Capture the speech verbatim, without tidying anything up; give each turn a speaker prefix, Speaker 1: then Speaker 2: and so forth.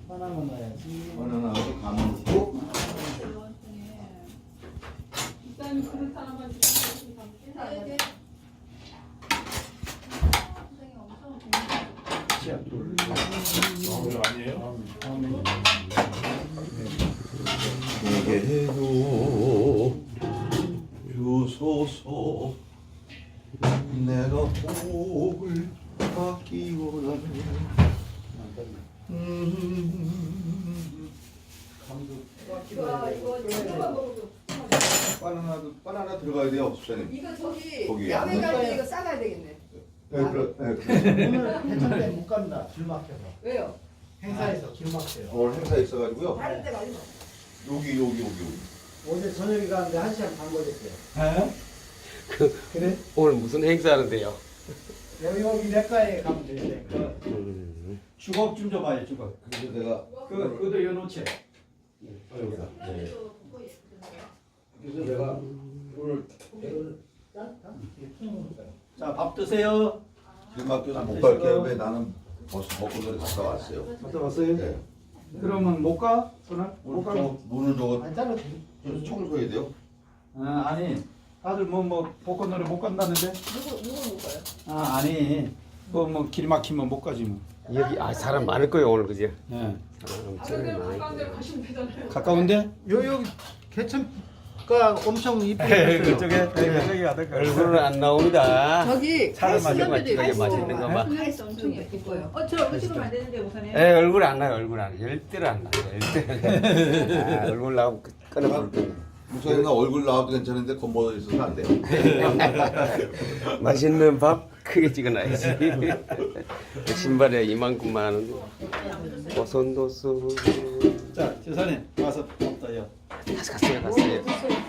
Speaker 1: 하나만 넣어야지.
Speaker 2: 바나나하고 감을 넣고.
Speaker 3: 일단 그릇 하나만 주시면
Speaker 4: 네, 네.
Speaker 5: 이거 아니에요?
Speaker 2: 내게도 주소서 내가 복을 받기원하네. 음.
Speaker 4: 이거 이거 이거만 먹어도.
Speaker 2: 바나나도 바나나 들어가야 돼요, 수사님.
Speaker 4: 이거 저기
Speaker 2: 거기
Speaker 4: 야외
Speaker 2: 안
Speaker 4: 갈 때 이거 싸가야 되겠네.
Speaker 2: 네, 그래, 네, 그래.
Speaker 1: 오늘 해천대 못 갑니다. 길 막혀서.
Speaker 4: 왜요?
Speaker 1: 행사에서 길 막혀요.
Speaker 2: 오늘 행사 있어가지고요.
Speaker 4: 다른 데 말고.
Speaker 2: 여기 여기 여기 여기.
Speaker 1: 어제 저녁에 가는데 한 시간 반 걸렸어요.
Speaker 6: 에?
Speaker 1: 그래?
Speaker 6: 오늘 무슨 행사하는데요?
Speaker 1: 여기 여기 내과에 가면 되는데. 그
Speaker 6: 음.
Speaker 1: 주걱 좀 줘봐요, 주걱.
Speaker 2: 그래서 내가
Speaker 1: 그 그것도 여놓지.
Speaker 2: 여기다.
Speaker 4: 네.
Speaker 2: 그래서 내가 오늘
Speaker 1: 자, 밥 드세요.
Speaker 2: 길 막혀서 못 갈게 왜 나는 벌써 벚꽃놀이 갔다 왔어요.
Speaker 1: 갔다 왔어요?
Speaker 2: 네.
Speaker 1: 그러면 못 가? 오늘? 못
Speaker 2: 오늘
Speaker 1: 가?
Speaker 2: 저 문을 저거
Speaker 1: 아니, 잘라.
Speaker 2: 좀 청소해야 돼요.
Speaker 1: 아, 아니. 다들 뭐, 뭐, 벚꽃놀이 못 간다는데?
Speaker 4: 누구 누구 못 가요?
Speaker 1: 아, 아니. 그 뭐, 길 막히면 못 가지 뭐.
Speaker 6: 여기 아 사람 많을 거예요 오늘 그죠?
Speaker 1: 예.
Speaker 6: 사람 엄청
Speaker 3: 다른 데로
Speaker 6: 많을
Speaker 3: 가까운 데로
Speaker 6: 거예요.
Speaker 3: 가시면 되잖아요.
Speaker 1: 가까운데? 요, 요, 개천가 엄청 이쁘게 했어요. 그쪽에? 그쪽에 가다
Speaker 6: 얼굴은 안 나옵니다.
Speaker 4: 저기
Speaker 1: 사람
Speaker 4: 칼슘
Speaker 6: 맛있는 거,
Speaker 4: 있고
Speaker 6: 맛있는 거 막.
Speaker 4: 칼슘 엄청 예뻐요.
Speaker 3: 어, 저 얼굴 찍으면 안 되는데 우선에.
Speaker 6: 에 얼굴 안 나요 얼굴 안 나요. 열대를 안 나요 열대. 아, 얼굴 나오면 끊어버릴 거예요.
Speaker 2: 무사히 나 얼굴 나와도 괜찮은데 겉모어 있어서 안 돼요.
Speaker 6: 맛있는 밥 크게 찍어놔야지. 신발에 이만큼만 하는데 보선도수.
Speaker 1: 자, 재산님 와서 밥 떠요.
Speaker 6: 갔어요 갔어요.